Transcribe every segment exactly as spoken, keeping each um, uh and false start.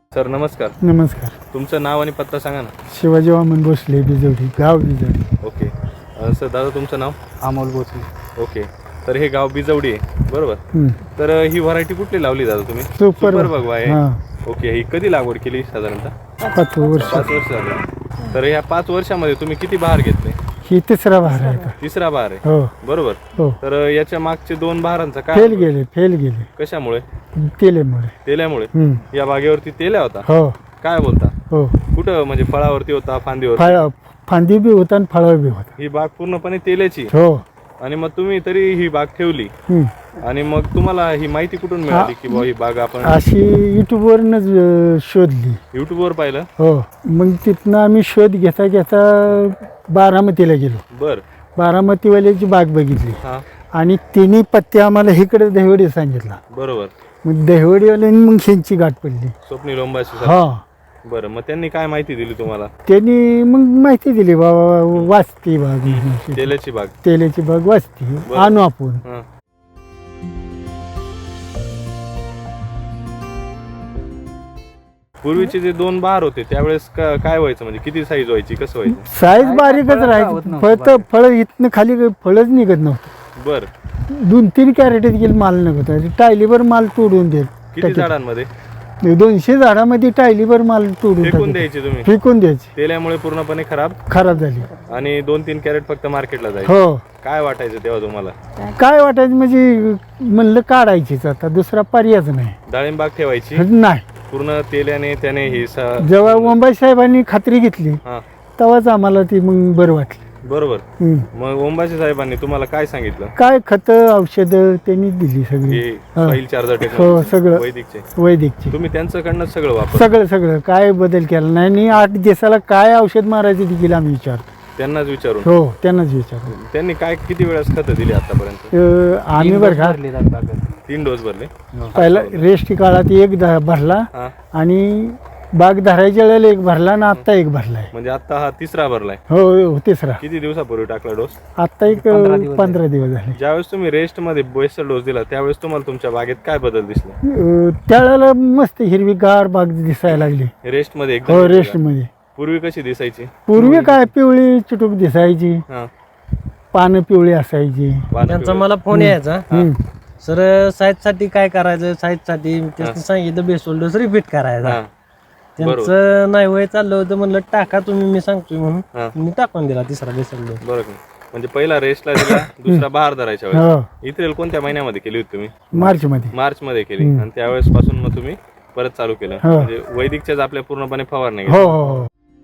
Sir नमस्कार. नमस्कार. तुमचं नाव आणि पत्ता सांगा ना. शिवाजी वामन भोसले, बिजवडी, गाव बिजवडी. ओके. अ, सर दादा तुमचं नाव? अमोल भोसले. ओके. तर हे गाव बिजवडी आहे बरोबर. हम्म. तर ही व्हरायटी कुठली लावली दादा तुम्ही? सुपर भगवा आहे. हां. ओके. ही कधी लागवड केली साधारणतः? पाच वर्ष. पाच वर्ष झाली. तर ह्या पाच वर्षामध्ये तुम्ही किती बहार घेतले? ही तिसरा बहार आहे का? तिसरा बहार आहे हो बरोबर. हो. तर याच्या मागचे दोन बहारांचा काय फेल गेले फेल गेले कशामुळे? तेलेमुळे. तेल्यामुळे. हम्म. या बागेवरती तेल्या होता? हो काय बोलता? हो. कुठं म्हणजे फळावरती होता फांदीवर? फळ फांदी बी होता आणि फळा बी होता. ही बाग पूर्णपणे तेल्याची. हो. आणि मग तुम्ही तरी ही बाग ठेवली हम्म. आणि मग तुम्हाला ही माहिती कुठून मिळाली की बुवा ही बाग आपण अशी युट्यूबवरनच अं, शोधली. युट्यूबवर पाहिलं? हो. मग तिथनं आम्ही शोध घेता घेता बारामतीला गेलो. बर. बारामतीवाल्याची बाग बघितली हा आणि तिन्ही पत्ते आम्हाला इकडे दहिवडी सांगितला. बरोबर. मग दहिवडीवाल्यांनी मग ह्यांची गाठ पडली. स्वप्नील लोंबाशी. हा. बरं. मग त्यांनी काय माहिती दिली तुम्हाला? त्यांनी मग माहिती दिली बाबा वाचती बाग, तेल्याची बाग. तेलाची बाग वाचती, आणू आपण. हा. पूर्वीचे जे दोन बहार होते त्यावेळेस का- काय व्हायचं म्हणजे किती साईज व्हायची कसं व्हायचं? साईज बारीकच राहायची. फळ तर फळ इथनं खाली फळच निघत नव्हतं. बर. दोन तीन कॅरेटेत गेली माल निघत होता. टायलीवर माल तोडून किती देत. झाडांमध्ये? दोनशे झाडामध्ये टायलीवर माल तोडून फेकून टाकत. द्यायची तुम्ही? फेकून द्यायची. तेल्यामुळे पूर्णपणे खराब खराब झाली. आणि दोन तीन कॅरेट फक्त मार्केटला जायचे. हो. काय वाटायचं तेव्हा तुम्हाला? काय वाटायचं म्हणजे म्हणलं काढायचीच आता, दुसरा पर्यायच नाही. डाळिंब बाग ठेवायची नाही. पूर्ण तेल्याने त्याने ही सा- जेव्हा मुंबई साहेबांनी खात्री घेतली हा तेव्हाच आम्हाला ती मग बरं वाटली. बरोबर. हम्म. मग ओंबाशी साहेबांनी तुम्हाला काय सांगितलं? काय खतं औषधं त्यांनी दिली सगळी. हे हा. सॉइल चार्जर हो टेक्नॉलॉजी सगळं वैदिकचे. वैदिकची तुम्ही त्यांच्याकडनं सगळं वापर सगळं सगळं काय बदल केला नाही. आणि आठ दिवसाला काय औषध मारायचं देखील आम्ही विचारतो. त्यांनाच विचारून. हो त्यांनाच विचारतो. त्यांनी काय किती वेळेस खतं दिली आतापर्यंत? अं, आम्ही बरं का तीन डोस भरले. पहिला रेस्ट काळात एक ध- भरला हा आणि बाग धरायच्या वेळेला एक भरला आणि आत्ता एक भरलाय. म्हणजे आता हा तिसरा भरलाय. हो हो तिसरा. किती दिवसापूर्वी टाकला डोस? आत्ता एक पंधरा दिवस झाले. ज्यावेळेस तुम्ही रेस्ट मध्ये बेस्ट डोस दिला त्यावेळेस तुम्हाला तुमच्या बागेत काय बदल दिसले? अं, त्यावेळेला मस्त हिरवीगार बाग दिसायला लागली. रेस्ट मध्ये हो एकदम रेस्ट मध्ये. पूर्वी कशी दिसायची? पूर्वी काय पिवळी चुटूक दिसायची, हा पानं पिवळी असायची. पानं त्यांचा पिवळे. मला फोन यायचा, हम्म. सर साईज साठी काय करायचं, साईज साठी त्यांनी सांगितलं बेसोल डोस रिपीट करायचा. हा त्यांचं नाही वय चाललं होतं, म्हणलं टाका तुम्ही, मी सांगतोय हा. म्हणून मी टाकून दिला तिसरा बेसोल डोस. बरोबर. म्हणजे पहिला रेस्टला दिला, दुसरा बहार धरायच्या वेळेस. हो इथेल कोणत्या महिन्यामध्ये केली होती तुम्ही? मार्च मध्ये. मार्च मध्ये केली. आणि त्यावेळेस पासून मग तुम्ही परत चालू केलं. हो. म्हणजे वैदिकच्याच आपल्या पूर्णपणे फवारणी हो हो हो.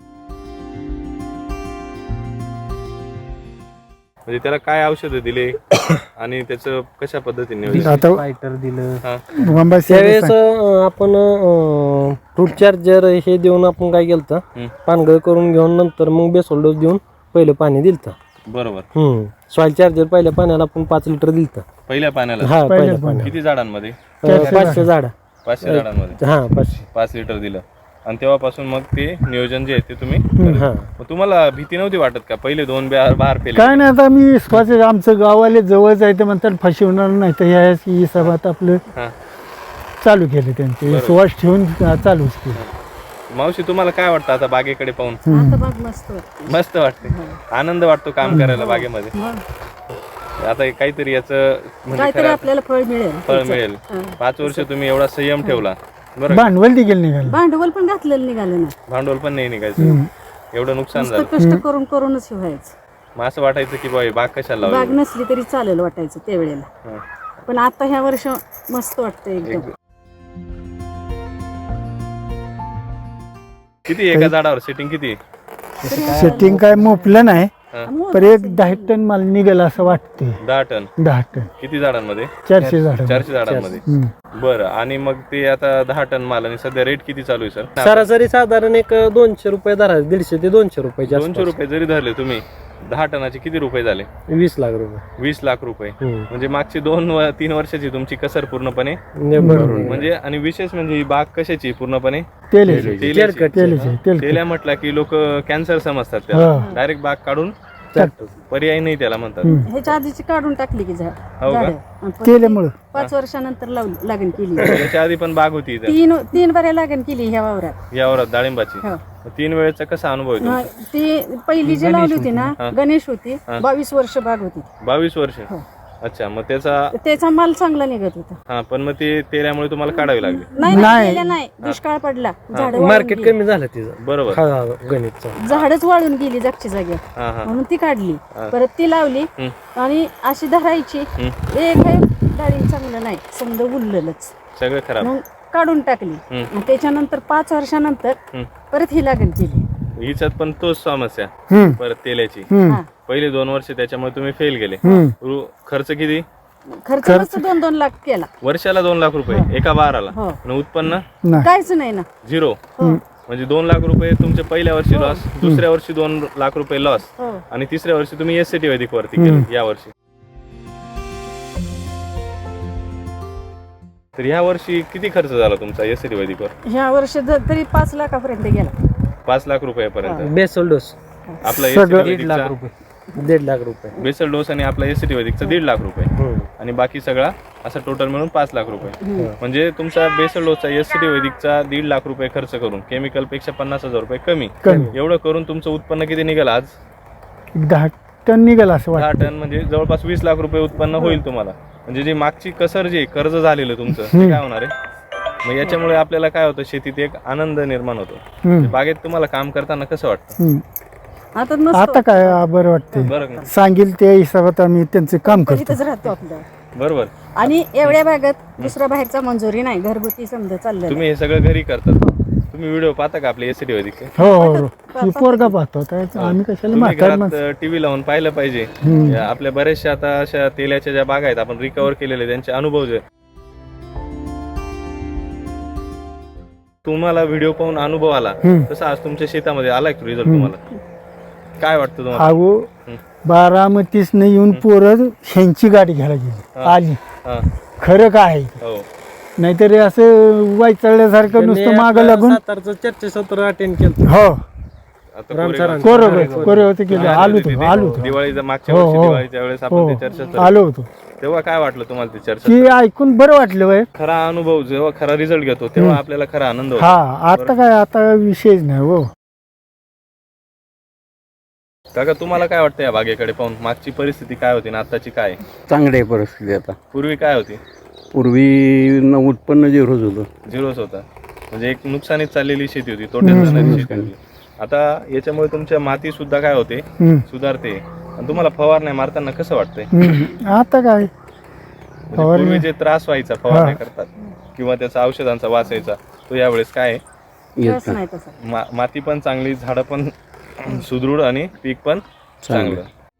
म्हणजे त्याला काय औषधं दिले आणि त्याचं कशा पद्धतीने नियोजन? आता फायटर दिलं हा मुंबई त्यावेळेस अं, आपण फ्रूट चार्जर हे देऊन आपण काय केलं हम्म. पानगळ करून घेऊन नंतर मग बेसोल डोस देऊन पहिलं पाणी दिलतं. बरोबर. हम्म सॉइल चार्जर पहिल्या पाण्याला आपण पाच लिटर दिलतं. पहिल्या पाण्याला हा पहिल्या पहिल्या पाण्याला. किती झाडांमध्ये? पाण्याला पाचशे झाड. पाचशे झाडांमध्ये हा पाचशे. पाच लिटर दिलं. आणि तेव्हापासून मग ते नियोजन जे आहे ते तुम्ही हा मग तुम्हाला भीती नव्हती वाटत का? पहिले दोन बहार बहार पेले. काय नाही. आता मी स्वतः आमचं गावाले जवळच आहे ते म्हणतात फसवणार नाही, तर ह्या हिसाबात आपलं हा चालू केलं त्यांचे विश्वास ठेवून चालूच केलं. मावशी तुम्हाला काय वाटतं आता बागेकडे पाहून? आता बाग मस्त वाटते. मस्त वाटते. आनंद वाटतो काम करायला बागेमध्ये. मग आता हे काहीतरी याचं म्हणजे काहीतरी खरं आपल्याला फळ मिळेल. फळ मिळेल. पाच वर्ष तुम्ही एवढा संयम ठेवला बरं. भांडवल देखील निघालं. भांडवल पण घातलेलं निघालं ना. भांडवल पण नाही निघायचं. एवढं नुकसान नुसतं झालं. कष्ट करून करूनच हे व्हायचं. मग असं वाटायचं की बाई बाग कशाला बाग लावली? नसली तरी चालेल वाटायचं त्यावेळेला. हा. पण आता ह्या वर्ष मस्त वाटतं एकदम. किती एका झाडावर सेटिंग किती? सेटिंग काय मोपलं नाही, हा. पण एक दहा टन माल निघेल असं वाटते. दहा टन. दहा टन किती झाडांमध्ये? चारशे झाड. चारशे झाडांमध्ये. बरं. आणि मग ते आता दहा टन माल आणि सध्या रेट किती चालू आहे सर? सरासरी साधारण एक दोनशे रुपये धरायचे, दीडशे ते दोनशे रुपये. दोनशे रुपये जरी धरले तुम्ही, दहा टनाचे किती रुपये झाले? वीस लाख रुपये. वीस लाख रुपये. हम्म. म्हणजे मागची दोन व- तीन वर्षाची तुमची कसर पूर्णपणे. बरोबर. म्हणजे आणि विशेष म्हणजे ही बाग कशाची पूर्णपणे तेलाचे तेलाची. तेलकट. तेलाचे तेल तेल्या म्हटलं की लोक कॅन्सर समजतात हा. त्याला. डायरेक्ट बाग काढून ट्रॅक्टर पर्याय नाही त्याला म्हणतात. ह्याच्या आधीची काढून टाकली की झाड हो का? झाडं. आणि परत केल्यामुळं पाच वर्षानंतर लावली लागण केली. त्याच्या आधी पण बाग होती इथं तीन तीन बऱ्या लागण केली ह्या वावरात. यावर डाळिंबाची. हो. तीन वेळेचा कसा अनुभव आहे तुमचा? हा, ती पहिली जी लावली होती ना हा. गणेश होती बावीस वर्ष बाग होती. बावीस वर्ष. हो. अच्छा, मग त्याचा त्याचा माल चांगला निघत होता. हा पण मग ते तेल्यामुळे तुम्हाला काढावी लागली. नाही नाही. नाही केलं नाही, दुष्काळ पडला. झाड मार्केट कमी झालं तिचं बरोबर. हा गणितचं झाडच वाळून गेली जागच्या जागेवर. हा हा म्हणून ती काढली. परत ती लावली आणि अशी धरायची. एक डाळिंब चांगलं नाही, समजा उरलेलंच. सगळं खराब. मग काढून टाकली. आणि त्याच्यानंतर पाच वर्षानंतर परत ही लागण केली. हिच्यात पण तोच समस्या हम्म. परत तेल्याची. हा. पहिले दोन वर्ष त्याच्यामुळे तुम्ही फेल गेले. हम्म. रु- खर्च किती? खर्च मस्त दोन दोन लाख केला. वर्षाला दोन लाख रुपये एका बाराला. हो. आणि उत्पन्न नाही काहीच नाही ना. झिरो. हो. म्हणजे दोन लाख रुपये तुमच्या पहिल्या वर्षी लॉस, दुसऱ्या वर्षी दोन लाख रुपये लॉस, हो. आणि तिसऱ्या वर्षी तुम्ही एस सी टी वैदिक वरती केलं या वर्षी. तर ह्या वर्षी किती खर्च झाला तुमचा एस सी टी वैदिकवर? ह्या वर्षी जर तरी पाच लाखापर्यंत गेला. पाच लाख रुपयापर्यंत. बेसल डोस आपला सगळं दीड लाख एस रुपये दीड लाख रुपये बेसल डोस आणि आपला एस सी टी वैदिकचा दीड लाख रुपये हम्म. आणि बाकी सगळा असं टोटल मिळून पाच लाख रुपये. म्हणजे तुमचा बेसल डोसचा एस सी टी वैदिकचा दीड लाख रुपये खर्च करून केमिकल पेक्षा पन्नास हजार रुपये कमी कमी. एवढं करून तुमचं उत्पन्न किती निघालं आज? एक दहा टन निघाल असं दहा वाटतं. टन म्हणजे जवळपास वीस लाख रुपये उत्पन्न होईल तुम्हाला. म्हणजे जी मागची कसर जी कर्ज झालेलं तुमचं ते काय होणार आहे? मग याच्यामुळे आपल्याला काय होतं, शेतीत एक आनंद निर्माण होतो. हम्म. बागेत तुम्हाला काम करताना कसं वाटतं? हम्म. आता मस्त आता काय आ, बरं वाटतंय. बरं का? सांगेल त्या हिशोबात आम्ही त्यांचं काम करतो. इथंच राहतो आपलं. बरोबर. आणि एवढ्या भागात दुसऱ्या बाहेरचा मंजुरी नाही, घरगुती समजा चाललं. तुम्ही हे सगळं घरी करतात. तुम्ही व्हिडिओ पाहता का आपले एस टी वैदिक? हो हो हो. ही पोरगा पाहतो आता. आम्ही कशाला तुम्ही म्हातार माणसं. घरात टीव्ही लावून पाहिलं पाहिजे. या आपल्या बऱ्याचशा आता अशा तेलाच्या ज्या बागा आहेत आपण रिकव्हर केलेले त्यांचे अनुभव जे तुम्हाला व्हिडिओ पाहून अनुभव आला तसा आज तुमच्या शेतामध्ये आलाय रिझल्ट तुम्हाला काय वाटतं तुम्हाला? अहो बारामतीसनं येऊन पोरं ह्यांची गाडी घ्यायला गेली आली. हा. खरं काय आहे? हो. नाहीतर हे असं वाईचळल्यासारखं नुसतं मागं लागून. सातारचं चर्चासत्र अटेंड केलं. हो आता रामचरण. कोरं कोरं होतं केलं. आले आलो होते होतो तिथे. आलो होतो दिवाळीच्या मागच्या हो, वर्षी हो. दिवाळीच्या वेळेस हो आपण ते चर्चा केली. आलो होतो. तेव्हा काय वाटलं तुम्हाला ते चर्चा? की ऐकून बरं वाटलं वय. खरा अनुभव जेव्हा खरा रिझल्ट घेतो तेव्हा आपल्याला खरा आनंद होतो. हा आता काय आता विषयच नाही हो. काका तुम्हाला काय वाटतं या बागेकडे पाहून? मागची परिस्थिती काय होती आणि आताची काय आहे? चांगली आहे परिस्थिती आता. पूर्वी काय होती? पूर्वी न उत्पन्न जे रोज होतं झिरोच होता. म्हणजे एक नुकसानीत चाललेली शेती होती, तोट्यात जाणारी शेती होती. आता याच्यामुळे तुमच्या माती सुद्धा काय होते, हम्म. सुधारते. आणि तुम्हाला फवारण्या मारताना कसं वाटतंय? हम्म. आता काय म्हणजे पूर्वी जे त्रास व्हायचा फवारण्या करतात किंवा त्याचा औषधांचा वास यायचा तो यावेळेस काय आहे? येत रस नाही तसा. मा- माती पण चांगली, झाडं पण सुदृढ आणि पीक पण चांगलं.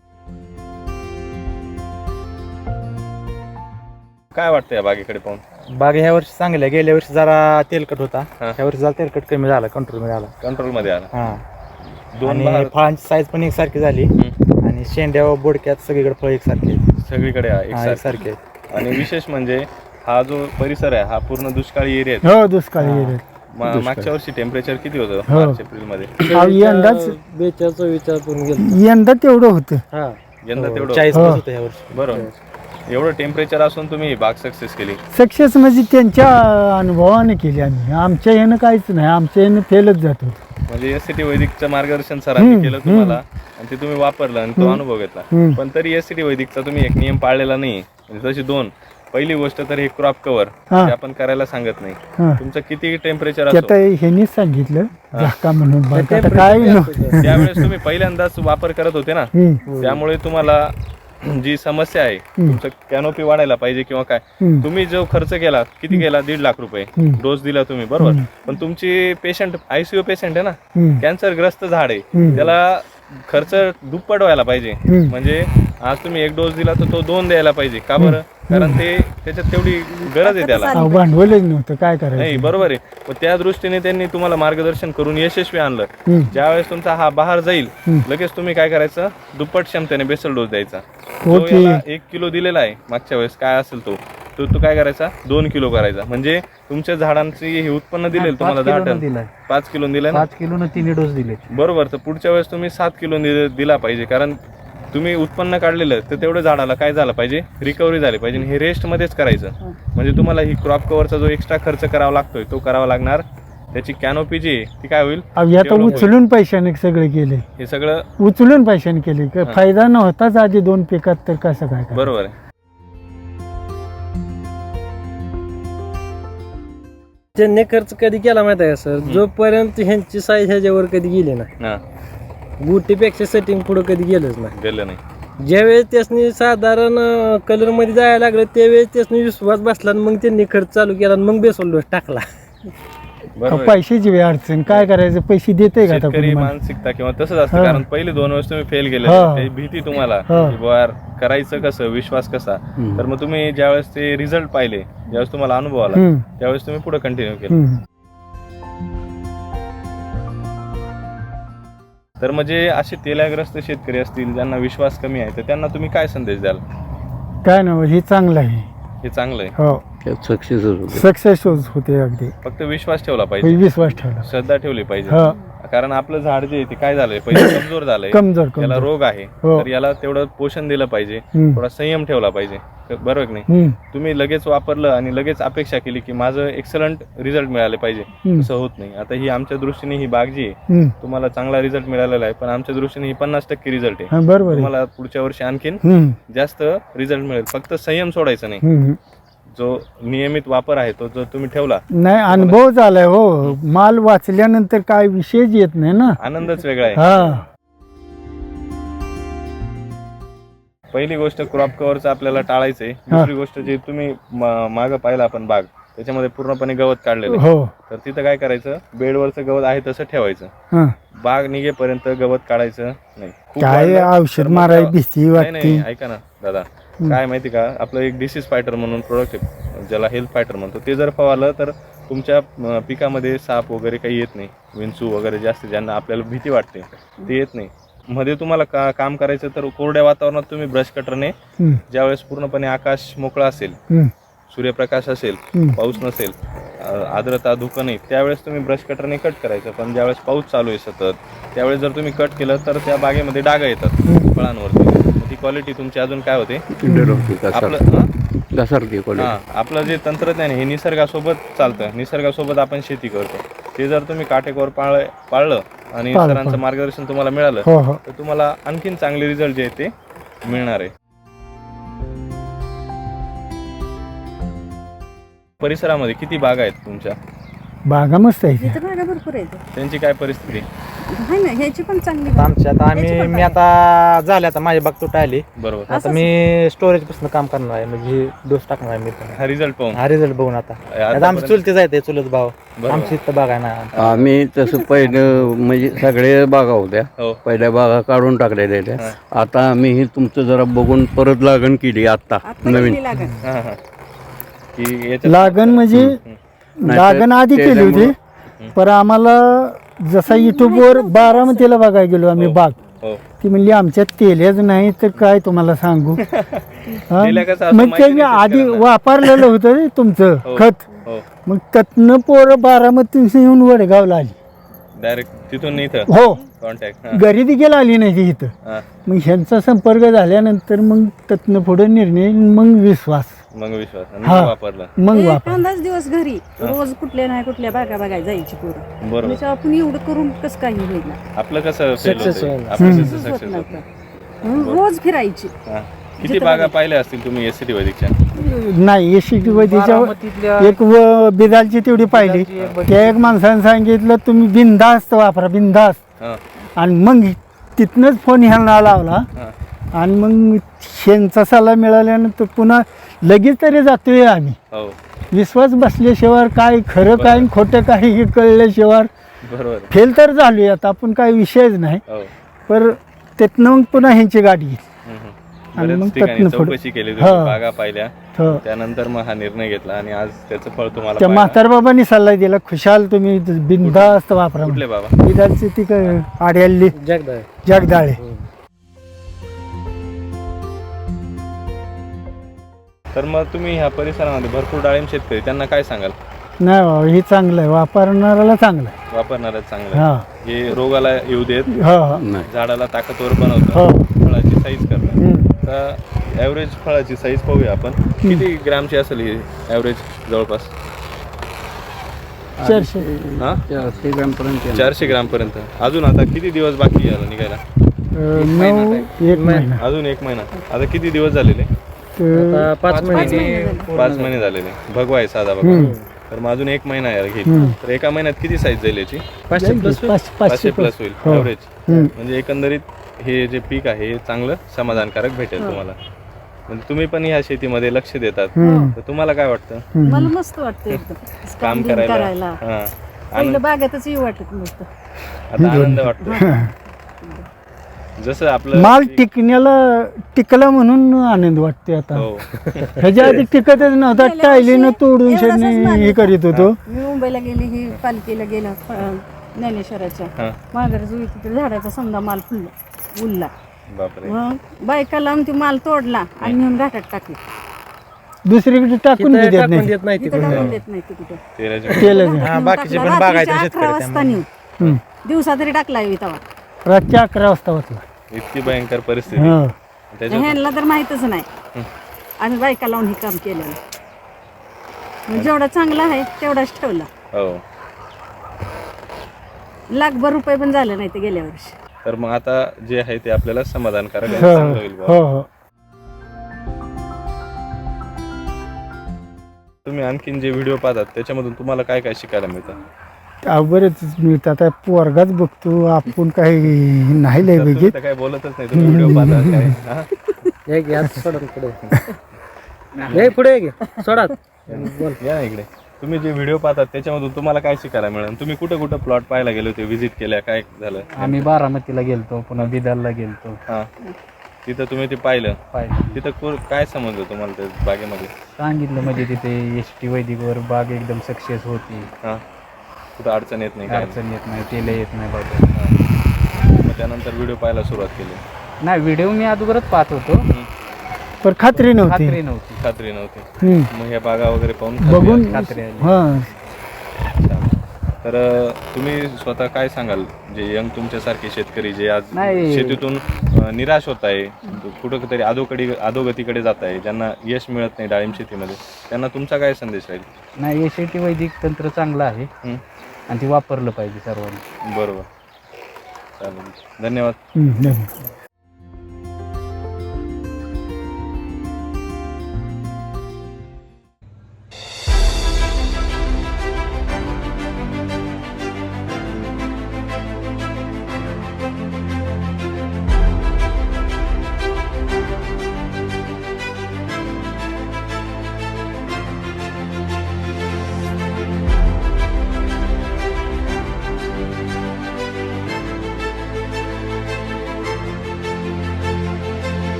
काय वाटतं या बागेकडे पाहून? बाग ह्या वर्षी चांगल्या, गेल्या वर्षी जरा तेलकट होता, हा. ह्या वर्षी जरा तेलकट कमी झाला, कंट्रोल मध्ये आला. कंट्रोल मध्ये आला. हा दोन आणि बहार फळांची साईज पण एकसारखी झाली हम्म. आणि शेंड्या व बोडक्यात सगळीकडे फळ एकसारखे आहेत. सगळीकडे आहे हा, एकसारखं. एकसारखे आहेत. आणि विशेष म्हणजे हा जो परिसर आहे हा पूर्ण दुष्काळी एरिया आहे. हो दुष्काळी गेले. मा- मागच्या वर्षी टेम्परेचर किती होतं हो. मार्च एप्रिल मध्ये? यंदाच बेचाळीस विचार करून गेलो. यंदा तेवढं होतं. हा यंदा तेवढं चाळीस हो. प्लस होतं ह्या वर्षी. बरोबर. एवढं टेम्परेचर असून तुम्ही बाग सक्सेस केली. सक्सेस म्हणजे त्यांच्या अनुभवाने केली आम्ही. आमच्या ह्यानं काहीच नाही, आमच्या ह्यानं फेलच जात होतं. म्हणजे एस सी टी वैदिकचं मार्गदर्शन सरांनी केलं तुम्हाला आणि ते तुम्ही वापरलं आणि तो अनुभव घेतला. हम्म. पण तरी एस सी टी वैदिकचा तुम्ही एक नियम पाळलेला नाही. म्हणजे तशी दोन, पहिली गोष्ट तर हे क्रॉप कव्हर हा. आपण करायला सांगत नाही. हा. तुमचं किती टेम्परेचर ते असो आता ह्यांनीच सांगितलं झाका म्हणून. बघ आता काय न- त्यावेळेस तुम्ही पहिल्यांदाच वापर करत होते ना, हम्म. त्यामुळे तुम्हाला जी समस्या आहे तुमचं कॅनोपी वाढायला पाहिजे किंवा काय, हम्म. तुम्ही जो खर्च केला किती केला? दीड लाख रुपये हम्म. डोस दिला तुम्ही, बरोबर. पण तुमची पेशंट आयसीयू पेशंट आहे ना, हम्म. कॅन्सर ग्रस्त झाड आहे, हम्म. त्याला खर्च दुप्पट व्हायला पाहिजे. हम्म. म्हणजे आज तुम्ही एक डोस दिला तर तो दोन द्यायला पाहिजे. का बरं? कारण ते त्याच्यात तेवढी गरज आहे त्याला. अहो, भांडवलच नव्हतं काय नाही, करायचं. बरोबर आहे. मग त्या दृष्टीने त्यांनी तुम्हाला मार्गदर्शन करून यशस्वी आणलं. हम्म. ज्यावेळेस तुमचा हा बहार जाईल हम्म. लगेच तुम्ही काय करायचं? दुप्पट क्षमतेने बेसल डोस द्यायचा. हो जो की. याला एक किलो दिलेला आहे मागच्या वेळेस काय असेल तो तो तो काय करायचा दोन किलो करायचा. म्हणजे तुमच्या झाडांची हे उत्पन्न दिलेलं तुम्हाला दहा टन दिलाय पाच किलो दिलं ना पाच किलो तिन्ही डोस दिले. बरोबर. तर पुढच्या वेळेस तुम्ही सात किलो दिला पाहिजे, कारण तुम्ही उत्पन्न काढलेलं तर तेवढं झाडाला काय झालं पाहिजे रिकव्हरी झाली पाहिजे. हे रेस्टमध्येच करायचं. म्हणजे तुम्हाला ही क्रॉप कव्हरचा जो एक्स्ट्रा खर्च करावा लागतोय तो करावा लागणार. त्याची कॅनोपी जी आहे ती काय होईल अहो, आता डेव्हलप होईल. उचलून पैशाने सगळे केले, हे सगळं उचलून पैशाने केले. काय फायदा नव्हताच आधी दोन पिकात, तर कसं काय करायचं? बरोबर आहे. त्यांनी खर्च कधी केला माहिती आहे का सर, जोपर्यंत ह्यांची साईज ह्याच्यावर कधी गेली नाही, हा गुटीपेक्षा सेटिंग पुढे कधी गेलंच नाही. गेलं नाही. ज्यावेळेस त्यासनी साधारण कलर मध्ये जायला लागलं त्यावेळेस त्यासनी विश्वास बसला आणि मग त्यांनी खर्च चालू केला आणि मग बेसोल डोस टाकला. बरोबर आहे. पैशाची वेळ अडचण, काय करायचं? पैसे देते का आता शेतकरी कोणी मला? मानसिकता किंवा तसंच असतं. हा. कारण पहिले दोन वर्ष तुम्ही फेल गेले, हा. ते भीती तुम्हाला हा. की बुवा यार करायचं कसं, विश्वास कसा. तर मग तुम्ही ज्यावेळेस ते रिझल्ट पाहिले, ज्यावेळेस तुम्हाला अनुभव आला, हम्म. त्यावेळेस तुम्ही पुढे कंटिन्यू केलं. हम्म. तर म्हणजे असे तेलाग्रस्त शेतकरी असतील ज्यांना विश्वास कमी आहे, तर त्यांना तुम्ही काय संदेश द्याल? काय ना, हे चांगलं आहे. हे चांगलं आहे. हो, त्यात सक्सेस होतो. सक्सेस होते अगदी. फक्त विश्वास ठेवला पाहिजे, विश्वास ठेवला. श्रद्धा ठेवली पाहिजे. हो, कारण आपलं झाड जे आहे ते काय झालंय पहिले कमजोर झालंय, कमजोर याला कमजोर. रोग आहे. हो. तर याला तेवढं पोषण दिलं पाहिजे, हम्म. थोडा संयम ठेवला पाहिजे. बरोबर की नाही? हम्म. तुम्ही लगेच वापरलं आणि लगेच अपेक्षा केली की माझं एक्सलंट रिझल्ट मिळाले पाहिजे, हम्म. असं होत नाही. आता ही आमच्या दृष्टीने ही बाग जी आहे हम्म. तुम्हाला चांगला रिझल्ट मिळालेला आहे, पण आमच्या दृष्टीने ही पन्नास टक्के रिझल्ट आहे. हा, बरोबर आहे. तुम्हाला पुढच्या वर्षी आणखीन हम्म. जास्त रिझल्ट मिळेल. फक्त संयम सोडायचा नाही. हम्म. जो नियमित वापर आहे तो जर तुम्ही ठेवला, नाही, अनुभव झालाय हो. माल वाचल्यानंतर काय विषयच येत नाही ना. आनंदच वेगळा आहे. हा, पहिली गोष्ट क्रॉप कव्हरचं आपल्याला टाळायचंय. दुसरी गोष्ट जी तुम्ही माग पाहिला आपण बाग, त्याच्यामध्ये पूर्णपणे गवत काढलेलं आहे. हो. तर तिथं काय करायचं, बेडवरचं गवत आहे तसं ठेवायचं. हा. बाग निघेपर्यंत गवत काढायचं नाही. खूप काय वाढलं तर औषध मग मारायला त्या- भीती नाही वाटते. नाही, ऐका ना दादा, काय माहिती का, आपलं एक डिसीज फायटर म्हणून प्रोडक्ट आहे, ज्याला हेल्थ फायटर म्हणतो. ते जर फवारलं तर तुमच्या अं, पिकामध्ये साप वगैरे काही येत नाही. विंचू वगैरे जास्त ज्यांना आपल्याला भीती वाटते ते येत नाही. मध्ये तुम्हाला का काम करायचं तर कोरड्या वातावरणात तुम्ही ब्रश कटरने हम्म. ज्यावेळेस पूर्णपणे आकाश मोकळा असेल, हम्म. सूर्यप्रकाश असेल, हम्म. पाऊस नसेल, अ, आर्द्रता धुकं नाही, त्यावेळेस तुम्ही ब्रश कटरने कट करायचं. पण ज्यावेळेस पाऊस चालू आहे सतत, त्यावेळेस जर तुम्ही कट केलं तर त्या बागेमध्ये डाग येतात फळांवरती. ती क्वालिटी तुमची अजून काय होते आपलं हं? त्यासारखी हा, आपलं जे तंत्रज्ञान आहे हे निसर्गासोबत चालतं, निसर्गासोबत आपण शेती करतो. ते जर तुम्ही काटेकोर पाळ पाळलं आणि पाळलं, सरांचं पाळलं. मार्गदर्शन तुम्हाला मिळालं, हो हो. तर तुम्हाला आणखीन चांगले रिझल्ट जे आहे ते मिळणार आहे. परिसरामध्ये किती बागा आहेत तुमच्या? बागा मस्त आहे. इथं बागा भरपूर आहेत. त्यांची काय परिस्थिती? आहे ना, ह्याची पण चांगली बाग. आमच्या आता आम्ही त्याची पण मी बाग आता झाले आता माझी बाग तुटा आली. बरोबर. आता मी स्टोरेज पासून काम करणार आहे, म्हणजे डोस टाकणार आहे मी पण. हा रिझल्ट पाहून हा रिझल्ट बघून आता आता आमची आतापर्यंत- चुलते जायते चुलत भाव बरोबर. आमची इथं बाग आहे ना. आम्ही तसं पहिलं म्हणजे सगळे बागा होत्या, हो. पहिल्या बागा काढून टाकलेल्या त्या. आता आम्ही ही तुमचं जरा बघून परत लागण केली आता आता नवीन. केली लागण. हा, हा. की याच्यात- लागण म्हणजे नाही लागण तर आधी केली होती, त्याच्यामुळं- पण आम्हाला जसा युट्यूबवर बारामतीला बघायला गेलो आम्ही हो. बाग, हो. ती म्हणली आमच्यात तेलच नाही तर काय तुम्हाला सांगू. हा? तेल्या कसं असं मग माहिती ते मी नाही आधी शेतकऱ्यांना. वापरलेलं होतं रे तुमचं हो. खत. हो. मग त्यातनं पोरं बारामती येऊन वडगावला आली. डायरेक्ट तिथून इथं हो, कॉन्टॅक्ट. घरी देखील आली नाही ती इथं. मग ह्यांचा संपर्क झाल्यानंतर मग त्यातनं पुढे निर्णय, मग विश्वास, मग विश्वास आणि हा. मग वापरला. मग एक वापर. अंदाज दिवस घरी रोज कुठल्या नाही कुठल्या बागा बघायला जायची पोरं. बरोबर. म्हणजे आपण एवढं करून कसं काही होईल ना. आपलं कसं fail Success होतंय? होईल. आपलं हम्म. कसं होत सक्सेस होत नव्हतं. म्हणून रोज फिरायची. हा. किती जिथं बागा बघायचं. पाहिल्या असतील तुम्ही एस सी टी वैदिकच्या? नाही एसी वैदिकच्या बारामतीतल्या एक व बिदालची तेवढी पाहिली. बिदालची एक बघितली. त्या एक माणसाने सांगितलं तुम्ही बिनधास्त वापरा, बिनधास्त. हा. आणि मग तिथनंच फोन ह्यांना लावला. हा. आणि मग शेणचा सल्ला मिळाल्यानंतर पुन्हा लगेच तरी जातोय आम्ही. हो. विश्वास बसल्याशिवाय काय खरं काय आणि खोटं काय हे कळल्याशिवाय बरोबर. फेल तर झालोय आता आपण, काही विषयच नाही. हो. पर तिथनं मग पुन्हा ह्यांची गाडी घेतली. हम्म, हम्म. आणि बऱ्याच मग ठिकाणी त्यातनं पुढं- चौकशी केली तुम्ही, हा. बागा पाहिल्या, हो. त्यानंतर मग हा निर्णय घेतला आणि आज त्याचं फळ तुम्हाला त्या पाहायला- म्हातारबाबांनी सल्ला दिला, खुशाल तुम्ही बिनधास्त वापरा. कुठले बाबा? बिदालची ती काय आड्याल्ली जगदाय. जगदाळे. तर मग तुम्ही ह्या परिसरामध्ये भरपूर डाळिंब शेतकरी त्यांना काय सांगाल? नाही बाबा हे चांगलं आहे, वापरणाऱ्याला चांगलं आहे. वापरणारच चांगलं हा आहे. हे रोगाला येऊ देत, हो हो नाही झाडाला ताकदवर बनवतं, हो फळाची साईज करतं. हम्म. तर ॲव्हरेज फळाची साईज पाहूया आपण. किती ग्रॅमची असेल ही ॲव्हरेज? जवळपास चारशे हा चारशे ग्रॅमपर्यंत येणार. चारशे ग्रॅमपर्यंत. अजून आता किती दिवस बाकी याला निघायला? अं, नऊ एक महिना अजून एक महिना. आता किती दिवस झालेले? तर आता पाच पाच महिने महिने झाले. पाच महिने झालेले. भगवा आहे साधा भगवा. तर मग अजून एक महिना याला घेईल. तर एका महिन्यात किती साईज जाईल याची? पाचशे प्लस पाचशे पाचशे पाचशे प्लस होईल हो. ॲव्हरेज. हम्म. म्हणजे एकंदरीत हे जे पीक आहे हे चांगलं समाधानकारक भेटेल तुम्हाला. म्हणजे तुम्ही पण ह्या शेतीमध्ये लक्ष देतात, हम्म. तर तुम्हाला काय वाटतं हम्म. मला मस्त वाटतं एकदम काम काम बिम करायला? करायला हा. पहिलं बागेतच येऊ वाटत नसतं. आता आनंद वाटतो. जसं आपलं माल टिकण्याला टिकला म्हणून आनंद वाटते आता. हो ह्याच्या आधी टिकतच नव्हता, गेल्या टायलीनं वर्षी तोडून एवढासाच शेडने माल हे होता. करीत होतो. मी मुंबईला गेली ही पालखीला गेलं अं, ज्ञानेश्वराच्या हा. माघार जुळी तिथे झाडाचा समजा माल फुलला उरला. बापरे. मग बायका लावून ती माल तोडला आणि नेऊन घाटात टाकली. दुसरीकडे टाकून तिथं बी देत टाकून नाही. देत नाही तिथं तिकडे टाकून देत नाही ती कुठे. तेराचे केलं नाही. हा, बाकीचे पण बागायचे शेतकरी अकरा वाजता नेऊन हम्म. दिवसा तरी टाकला तेव्हा. रातच्या अकरा वाजता वाचला. इतकी भयंकर परिस्थिती. हा त्याच्यात ह्यांना तर माहीतच नाही. आम्ही बायका लावून हे काम केलेलं. मग जेवढा चांगला आहे तेवढाच ठेवला. हो. लाखभर रुपये पण झाले नाही ते गेल्या वर्षी. तर मग आता जे आहे ते आपल्याला समाधानकारक आहे, हो चांगलं होईल बुवा. हो हो. तुम्ही आणखीन जे व्हिडिओ पाहतात त्याच्यामधून तुम्हाला काय काय शिकायला मिळतं? अहो, बरेच मिळतात. आता पोरगाच बघतो, आपण काही नाही लय तर तुम्ही बघित. तर काय बोलतच नाही, तुम्ही व्हिडिओ पाहतात काय? हा? हे घ्या सोडा पुढे हे पुढे घे सोडा. या ना इकडे. तुम्ही जे व्हिडिओ पाहतात त्याच्यामधून तुम्हाला काय शिकायला मिळेल? तुम्ही कुठं कुठं प्लॉट पाहायला गेले होते, व्हिजिट केल्या, काय झालं? आम्ही बारामतीला गेलतो, पुन्हा बिदारला गेलतो. हा. तिथं तुम्ही ते पाहिलं, पाहिलं तिथं को- काय समजलं तुम्हाला ते बागेमध्ये? सांगितलं म्हणजे तिथे एस टी वैदिकवर बाग एकदम सक्सेस होती, हा. कुठं अडचण येत नाही काय नाही. अडचण येत नाही, तेल येत नाही बाबा. मग त्यानंतर व्हिडिओ पाहायला सुरुवात केली. नाही, व्हिडिओ मी अगोदरच पाहत होतो, पण खात्री नव्हती. खात्री नव्हती. खात्री नव्हती. हम्म. मग ह्या बागा वगैरे पाहून खात्री बघून आली. खात्री आली. हा अच्छा. तर अ, तुम्ही स्वतः काय सांगाल, जे यंग तुमच्यासारखे शेतकरी जे आज नाही. शेतीतून अ, निराश होत आहे, कुठं तरी अधोकडी अधोगतीकडे जात आहे, ज्यांना यश मिळत नाही डाळिंब शेतीमध्ये, त्यांना तुमचा काय संदेश राहील? नाही, एस टी वैदिक तंत्र चांगलं आहे हं. आणि ते वापरलं पाहिजे सर्वांनी. बरोबर. चालेल, धन्यवाद. हम्म, धन्यवाद.